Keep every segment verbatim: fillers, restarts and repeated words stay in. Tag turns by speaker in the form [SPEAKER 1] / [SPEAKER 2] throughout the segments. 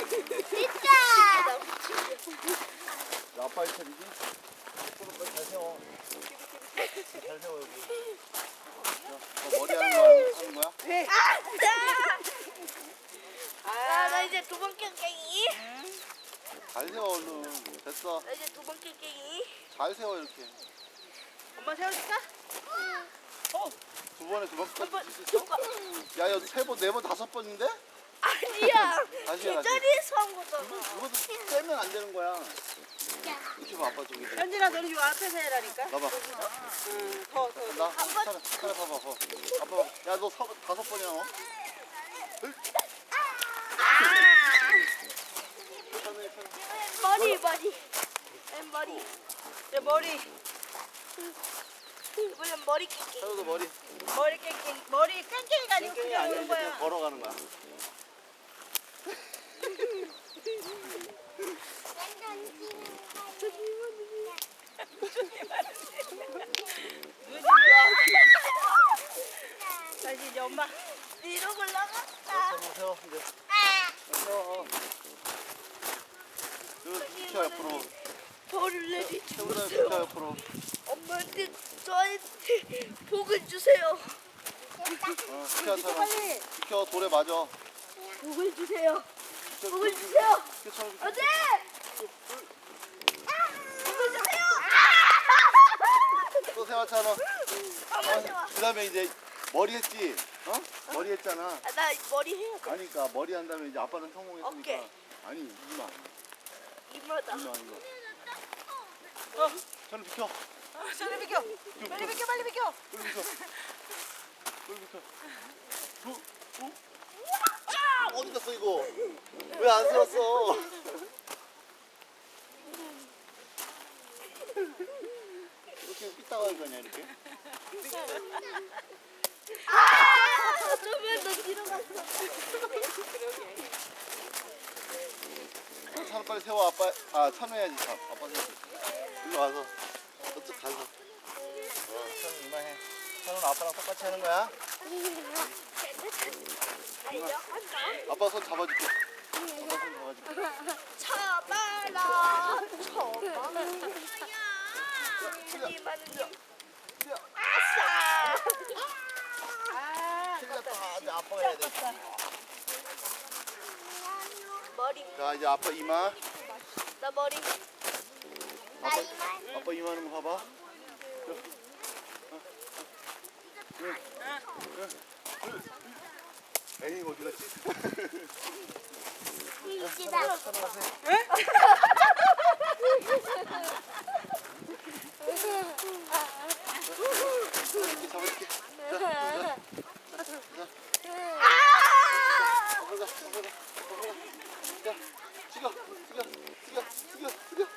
[SPEAKER 1] 진짜.
[SPEAKER 2] 야, 아빠 일 차리지? 빨리 잘 세워. 잘 세워, 여기. 야, 너 머리 하는 거 하는 거야?
[SPEAKER 3] 네.
[SPEAKER 1] 아, 나 이제 두 번째 깽이.
[SPEAKER 2] 잘 세워, 얼른. 됐어.
[SPEAKER 1] 나 이제 두 번째 깽이.
[SPEAKER 2] 잘 세워, 이렇게.
[SPEAKER 3] 엄마 세워줄까? 어.
[SPEAKER 2] 두 번에 두 번까지
[SPEAKER 1] 한 번,
[SPEAKER 2] 칠수
[SPEAKER 1] 두
[SPEAKER 2] 있어?
[SPEAKER 1] 번.
[SPEAKER 2] 야, 야, 세 번, 네 번, 다섯 번인데?
[SPEAKER 1] 아니야.
[SPEAKER 2] 다시 해, 다시.
[SPEAKER 1] 제자리에서 한 거잖아.
[SPEAKER 2] 이것도 떼면 안 되는 거야. 이렇게 봐, 아빠 저기.
[SPEAKER 3] 현진아 너는 요 앞에서 해라니까.
[SPEAKER 2] 나봐.
[SPEAKER 3] 응. 더 더.
[SPEAKER 2] 나, 차라, 차라 봐봐, 봐봐. 아빠, 봐봐. 야, 너 사, 다섯 번이야, 너? 편해, 편해.
[SPEAKER 1] 머리, 머리. 왼 머리.
[SPEAKER 3] 내 머리
[SPEAKER 1] 이번엔 머리 깽깽이.
[SPEAKER 2] 차로도 머리.
[SPEAKER 3] 머리 깽깽 머리 깽깽이가 아니고
[SPEAKER 2] 깽깽이
[SPEAKER 3] 그냥
[SPEAKER 2] 아니야,
[SPEAKER 3] 오는
[SPEAKER 2] 이제 그냥
[SPEAKER 3] 거야.
[SPEAKER 2] 걸어가는 거야.
[SPEAKER 3] 다시 이제 엄마.
[SPEAKER 1] 위로 올라갔다.
[SPEAKER 2] 한번 세워, 이제. 세워. 이거 비켜, 옆으로.
[SPEAKER 1] 저를 내리지
[SPEAKER 2] 세우다
[SPEAKER 1] 마세요.
[SPEAKER 2] 비켜, 옆으로.
[SPEAKER 1] 엄마한테 저한테 복을 주세요.
[SPEAKER 2] 어, 비켜, 차라.
[SPEAKER 3] 빨리.
[SPEAKER 2] 비켜, 돌에 맞아.
[SPEAKER 1] 복을 주세요.
[SPEAKER 2] 비켜,
[SPEAKER 1] 복을
[SPEAKER 2] 비켜,
[SPEAKER 1] 주세요.
[SPEAKER 2] 비켜, 차라, 비켜.
[SPEAKER 1] 어제 복을 주세요.
[SPEAKER 2] 또 세워, 차라.
[SPEAKER 1] 엄마 세워.
[SPEAKER 2] 그 다음에 이제 머리 했지? 어? 머리 했잖아.
[SPEAKER 1] 아, 나 머리 해야 돼.
[SPEAKER 2] 아니, 그러니까 머리 한 다음에 이제 아빠는 성공했으니까.
[SPEAKER 1] 어깨.
[SPEAKER 2] 아니, 이마.
[SPEAKER 1] 이마다.
[SPEAKER 2] 이마, 이거.
[SPEAKER 3] 어.
[SPEAKER 2] 차라 비켜.
[SPEAKER 3] 빨리 비켜. 빨리 비켜 빨리 비켜.
[SPEAKER 2] 빨리 비켜. 빨리 비켜. 어? 어? 아! 어디 갔어, 이거? 왜 안 세웠어? 이렇게 삐딱할 거냐, 이렇게?
[SPEAKER 1] 아, 좀만 더 뒤로 갔어.
[SPEAKER 2] 찬우 빨리 세워, 아빠. 아, 찬우 해야지, 참. 아빠 세워. 일로 와서. 저쪽 가서. 어, 찬우 이마해. 찬우는 아빠랑 똑같이 하는 거야?
[SPEAKER 1] 달려간다.
[SPEAKER 2] 아빠 손 잡아줄게. 아빠 손 잡아줄게.
[SPEAKER 1] 쳐봐라. 쳐봐라. 이마는요. 아싸.
[SPEAKER 3] 아.
[SPEAKER 2] 틀렸다. 이제 아빠가 해야 돼.
[SPEAKER 1] 머리.
[SPEAKER 2] 자, 이제 아빠 이마.
[SPEAKER 1] 나 머리. 나
[SPEAKER 2] 아빠,
[SPEAKER 1] 이마.
[SPEAKER 2] 아빠 이마 하는 거 봐봐. 에이, 어디 갔지?
[SPEAKER 1] 이지다.
[SPEAKER 2] 이렇게 잡아줄게. 자, 자,
[SPEAKER 1] 아!
[SPEAKER 2] 가보자, 가보자, 가보자. 자, 숙여, 숙여, 숙여, 숙여, 숙여.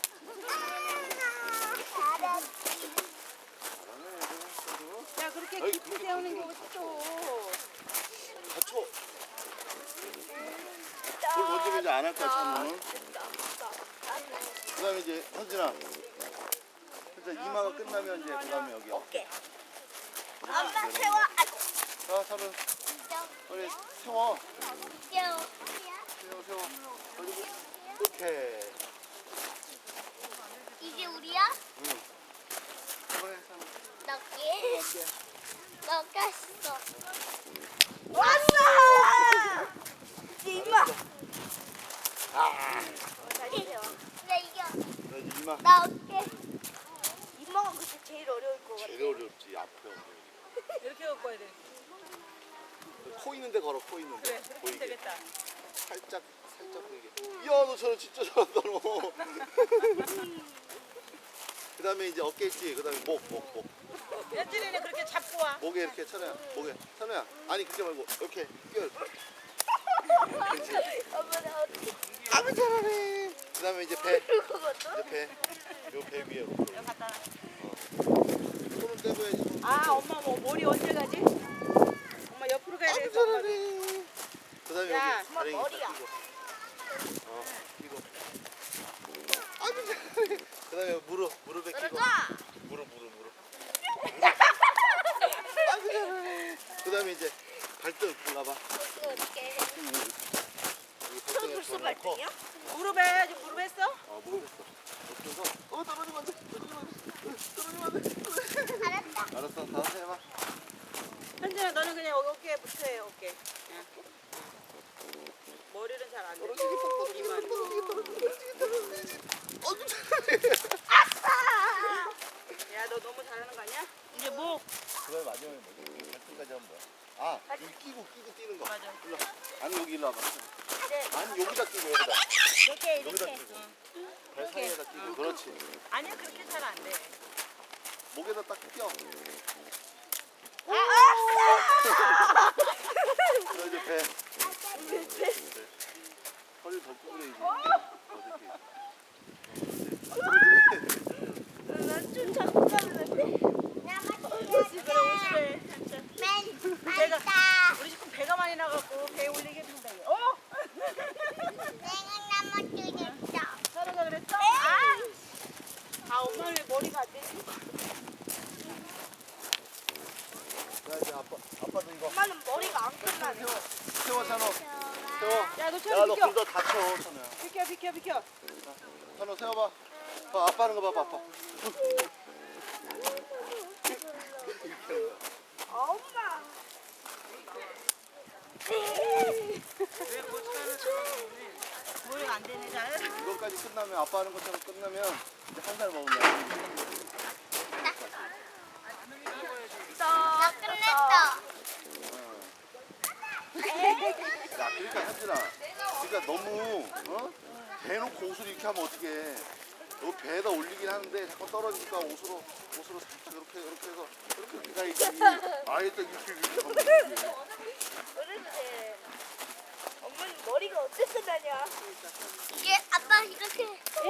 [SPEAKER 3] 야 그렇게
[SPEAKER 2] 어이,
[SPEAKER 3] 깊이
[SPEAKER 2] 그렇게
[SPEAKER 3] 세우는 게
[SPEAKER 2] 그렇게
[SPEAKER 3] 어딨어.
[SPEAKER 2] 다쳐. 뭘 던지면 이제 안 할 거야, 찬우는. 그 다음에 이제, 현진아. 현진아, 이마가 끝나면 이제, 그 다음에 여기 어깨.
[SPEAKER 1] 엄마 세워. 아이고.
[SPEAKER 2] 자, 찬우. 빨리 세워.
[SPEAKER 1] 세워.
[SPEAKER 2] 세워, 세워. 그리고, 이렇게.
[SPEAKER 1] 이게 우리야?
[SPEAKER 2] 응. 이번에 찬우.
[SPEAKER 1] 넣게.
[SPEAKER 2] 어깨.
[SPEAKER 1] 넣겠어. 왔어! 이마. 다시 세워. 나 이겨.
[SPEAKER 2] 자, 이제 이마.
[SPEAKER 1] 나 어깨. 이마가 그때 제일 어려울 것 같아.
[SPEAKER 2] 제일 어렵지, 앞에.
[SPEAKER 3] 이렇게 갖고 와야 돼.
[SPEAKER 2] 코 있는데 걸어, 코 있는데.
[SPEAKER 3] 그래 그렇게
[SPEAKER 2] 보이게.
[SPEAKER 3] 되겠다.
[SPEAKER 2] 살짝, 살짝 보이게. 이야, 너 저는 진짜 잘한다, 너. 그 다음에 이제 어깨 있지, 그 다음에 목, 목, 목.
[SPEAKER 3] 현진이는 그렇게 잡고 와.
[SPEAKER 2] 목에 이렇게, 찬우야, 목에. 찬우야, 아니, 그렇게 말고, 이렇게 끼워. 그렇지.
[SPEAKER 1] 엄마 나 어떻게
[SPEAKER 2] 아무 잘하네. 그 다음에 이제 배,
[SPEAKER 1] 그거거든?
[SPEAKER 2] 이제 배. 요 배 위에. 이렇게.
[SPEAKER 3] 여기 갖다 놔.
[SPEAKER 2] 손을 떼고 해야지. 손을
[SPEAKER 3] 아
[SPEAKER 2] 떼고.
[SPEAKER 3] 엄마 뭐 머리 언제 가지? 엄마 옆으로 가야
[SPEAKER 2] 아무
[SPEAKER 3] 되겠어.
[SPEAKER 2] 잘하네. 그 다음에
[SPEAKER 3] 야,
[SPEAKER 2] 여기 다리
[SPEAKER 1] 머리야.
[SPEAKER 2] 끼고. 어, 끼고. 아무 잘하네. 그 다음에 무릎, 무릎에 끼고.
[SPEAKER 1] 떨어져!
[SPEAKER 2] 무릎, 무릎, 무릎. 아무 잘하네. 그 다음에 이제 발등 올라봐.
[SPEAKER 1] 어떻게 어떻게
[SPEAKER 2] 여기
[SPEAKER 1] 손
[SPEAKER 2] 발등에
[SPEAKER 1] 벌써
[SPEAKER 2] 손을.
[SPEAKER 1] 발등이요?
[SPEAKER 3] 무릎에 해야지. 무릎 했어?
[SPEAKER 2] 어 모르겠어. 그래서 어 떨어지면 안 돼. 떨어지면 안 돼. 떨어지면 안 돼.
[SPEAKER 1] 알았다.
[SPEAKER 2] 알았어. 다시 해봐.
[SPEAKER 3] 현진아 너는 그냥 어깨에 붙여해 어깨. 응. 머리는 잘 안 돼.
[SPEAKER 2] 떨어지기 떨어지기
[SPEAKER 3] 이만.
[SPEAKER 2] 떨어지기 떨어지기 떨어지기.
[SPEAKER 3] 야 너 너무 잘하는 거 아니야?
[SPEAKER 1] 이제 뭐?
[SPEAKER 2] 그걸 마지막에 뭐지? 발등까지 하면 뭐야? 아 여기 끼고 끼고 뛰는 거.
[SPEAKER 3] 맞아.
[SPEAKER 2] 일로. 와. 아니 여기 일로 와봐.
[SPEAKER 1] 네.
[SPEAKER 2] 아니 여기다 끼고 여기다.
[SPEAKER 1] 이렇게
[SPEAKER 2] 여기다
[SPEAKER 1] 이렇게.
[SPEAKER 2] 끼고. 발 사이에다 끼고. 그렇지.
[SPEAKER 3] 아니야 그렇게 잘 안 돼.
[SPEAKER 2] 목에다 딱 껴.
[SPEAKER 1] 아!
[SPEAKER 2] 너 이제 배. 배. 허리 더 구부려야지.
[SPEAKER 1] 난좀 자꾸 가는데.
[SPEAKER 3] 그래 오시래. 배가 우리 지금 배가 많이 나갖고 배 올리기 힘들어. 어? 서로가 그랬어? 아, 아 엄마 왜 머리가 안 되지?
[SPEAKER 2] 야 이제 아빠 아빠도 이거.
[SPEAKER 1] 엄마는 머리가 안 끝나네.
[SPEAKER 2] 세워 세워 찬호. 세워.
[SPEAKER 3] 야너
[SPEAKER 2] 야
[SPEAKER 3] 채워
[SPEAKER 2] 너
[SPEAKER 3] 비켜.
[SPEAKER 2] 굴다 다쳐 찬호야.
[SPEAKER 3] 비켜 비켜 비켜.
[SPEAKER 2] 찬호 세워봐. 봐 아빠 하는 거 봐봐 아빠.
[SPEAKER 1] 엄마.
[SPEAKER 3] 머리가 안 되네 잘.
[SPEAKER 2] 이거까지 끝나면 아빠 하는 것처럼 끝나면 이제 한 살 먹으면 돼.
[SPEAKER 1] 나 끝냈어.
[SPEAKER 2] 야 그러니까 현진아 그러니까 너무 어? 대놓고 옷을 이렇게 하면 어떡해. 너 배에다 올리긴 하는데 자꾸 떨어지니까 옷으로 옷으로 살짝 이렇게 이렇게 해서 이렇게 이렇게 가야지. 아예 또 이렇게 이렇게 하면 되지.
[SPEAKER 1] 그런데 엄마는 머리가 어째 끝나냐?
[SPEAKER 4] 이게 아빠 이렇게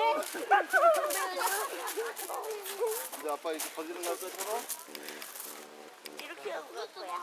[SPEAKER 2] 이제 아빠 이렇게 거지는 거 할까 서로?
[SPEAKER 1] 이렇게 하고 갈 거야.